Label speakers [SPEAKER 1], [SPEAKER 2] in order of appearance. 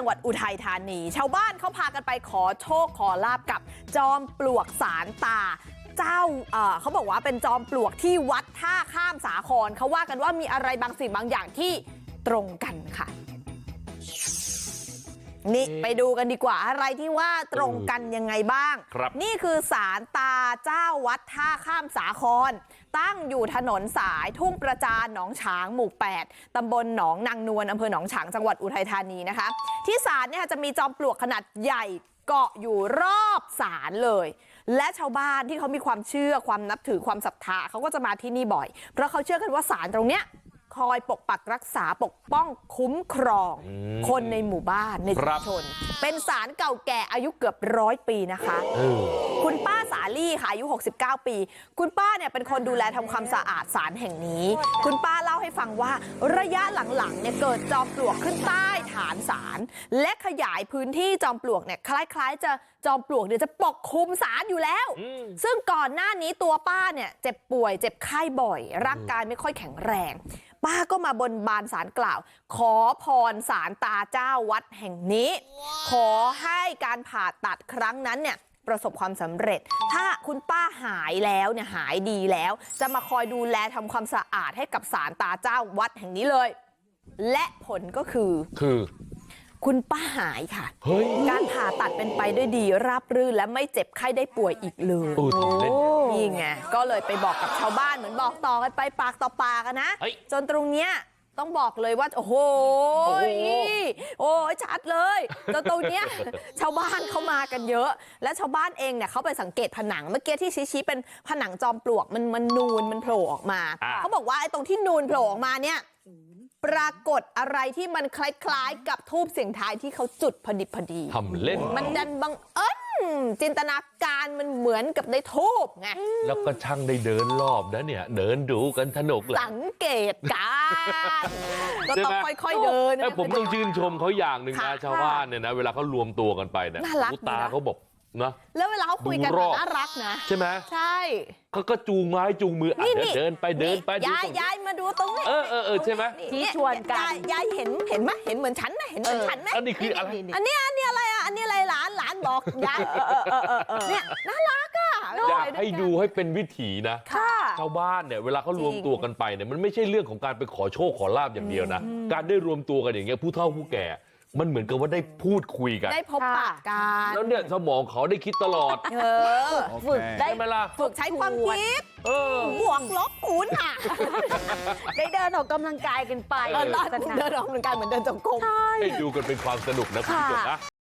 [SPEAKER 1] งหวัดอุทัยธานีชาวบ้านเขาพากันไปขอโชคขอลาบกับจอมปลวกสารตาเจ้าเขาบอกว่าเป็นจอมปลวกที่วัดท่าข้ามสาครเขาว่ากันว่ามีอะไรบางสิ่งบางอย่างที่ตรงกันค่ะนี่ไปดูกันดีกว่าอะไรที่ว่าตรงกันยังไงบ้างนี่คือศาลตาเจ้าวัดท่าข้ามสาครตั้งอยู่ถนนสายทุ่งประจานหนองฉางหมู่ 8 ตำบลหนองนางนวลอำเภอหนองฉางจังหวัดอุทัยธานีนะคะที่ศาลเนี่ยจะมีจอมปลวกขนาดใหญ่เกาะอยู่รอบศาลเลยและชาวบ้านที่เขามีความเชื่อความนับถือความศรัทธาเขาก็จะมาที่นี่บ่อยเพราะเขาเชื่อกันว่าศาลตรงเนี้ยคอยปกปักรักษาปกป้องคุ้มครองคนในหมู่บ้านในชุมชนเป็นศาลเก่าแก่อายุเกือบ100 ปีนะคะคุณป้าสาลี่ค่ะอายุ69 ปีคุณป้าเนี่ยเป็นคนดูแลทำความสะอาดศาลแห่งนี้คุณป้าเล่าให้ฟังว่าระยะหลังๆเนี่ยเกิดจอมปลวกขึ้นใต้ฐานศาลและขยายพื้นที่จอมปลวกเนี่ยคล้ายๆจะจอมปลวกเนี่ยจะปกคลุมศาลอยู่แล้วซึ่งก่อนหน้านี้ตัวป้าเนี่ยเจ็บป่วยเจ็บไข้บ่อยร่างกายไม่ค่อยแข็งแรงป้าก็มาบนบานศาลกล่าวขอพรศาลตาเจ้าวัดแห่งนี้ขอให้การผ่าตัดครั้งนั้นเนี่ยประสบความสำเร็จถ้าคุณป้าหายแล้วเนี่ยหายดีแล้วจะมาคอยดูแลทำความสะอาดให้กับศาลตาเจ้าวัดแห่งนี้เลยและผลก็คือคุณป้าหายค่ะการผ่าตัดเป็นไปด้วยดีราบรื่นและไม่เจ็บไข้ได้ป่วยอีกเลยนี่ไงก็เลยไปบอกกับชาวบ้านเหมือนบอกต่อกันไปปากต่อปากกันนะจนตรงเนี้ยต้องบอกเลยว่าโอ้โหชัดเลยจนตรงเนี้ยชาวบ้านเขามากันเยอะและชาวบ้านเองเนี่ยเขาไปสังเกตผนังเมื่อกี้ที่ชี้เป็นผนังจอมปลวกมันนูนมันโผล่ออกมาเขาบอกว่าไอ้ตรงที่นูนโผล่ออกมาเนี่ยปรากฏอะไรที่มันคล้ายๆกับธูปเสียงทายที่เขาจุดพอดี
[SPEAKER 2] ทำเล่น
[SPEAKER 1] มันดันบังเอิญจินตนาการมันเหมือนกับในธูปไง
[SPEAKER 2] แล้วก็ช่างได้เดินรอบนะเนี่ยเดินดูกันสนุกเลย
[SPEAKER 1] สังเกตการก็ต้องค่อยๆเดิน
[SPEAKER 2] ผมต้องชื่นชมเขาอย่างหนึ่งนะชาวบ้านเนี่ยนะเวลาเขารวมตัวกันไปเนี่ยตาเขาบอกนะ
[SPEAKER 1] แล้วเวลาเขาคุยกันน่ารักนะ
[SPEAKER 2] ใช่ไหม
[SPEAKER 1] ใช่
[SPEAKER 2] เขาก็จูงไม้จูงมือเดินไป
[SPEAKER 1] ยายมาดูตรงนี้
[SPEAKER 2] ใช่ไหม
[SPEAKER 1] ชี้ชวนกันยายเห็นไหมเห็นเหมือนฉันไหมเห็นเหมือนฉันไหม
[SPEAKER 2] อันนี้คืออะไร
[SPEAKER 1] อันนี้อะไรอ่ะอันนี้อะไรหลานบอกยายเนี่ยน่ารักอ่ะ
[SPEAKER 2] อยากให้ดูให้เป็นวิถีนะชาวบ้านเนี่ยเวลาเขารวมตัวกันไปเนี่ยมันไม่ใช่เรื่องของการไปขอโชคขอลาบอย่างเดียวนะการได้รวมตัวกันอย่างเงี้ยผู้เฒ่าผู้แก่มันเหมือนกับว่าได้พูดคุยกัน
[SPEAKER 1] ได้พบปะกัน
[SPEAKER 2] แล้วเนี่ยสมองเขาได้คิดตลอด
[SPEAKER 1] ฝึกได้
[SPEAKER 2] ไหมล่ะ
[SPEAKER 1] ฝึกใช้ความคิดบวกลบคูณค่ะ
[SPEAKER 3] ได้เดินออกกำลังกายกันไป
[SPEAKER 1] เดินออกกำลังกายเหมือนเดินจงกรม
[SPEAKER 2] ให้ดูกันเป็นความสนุกนะคุณผู้ชมนะ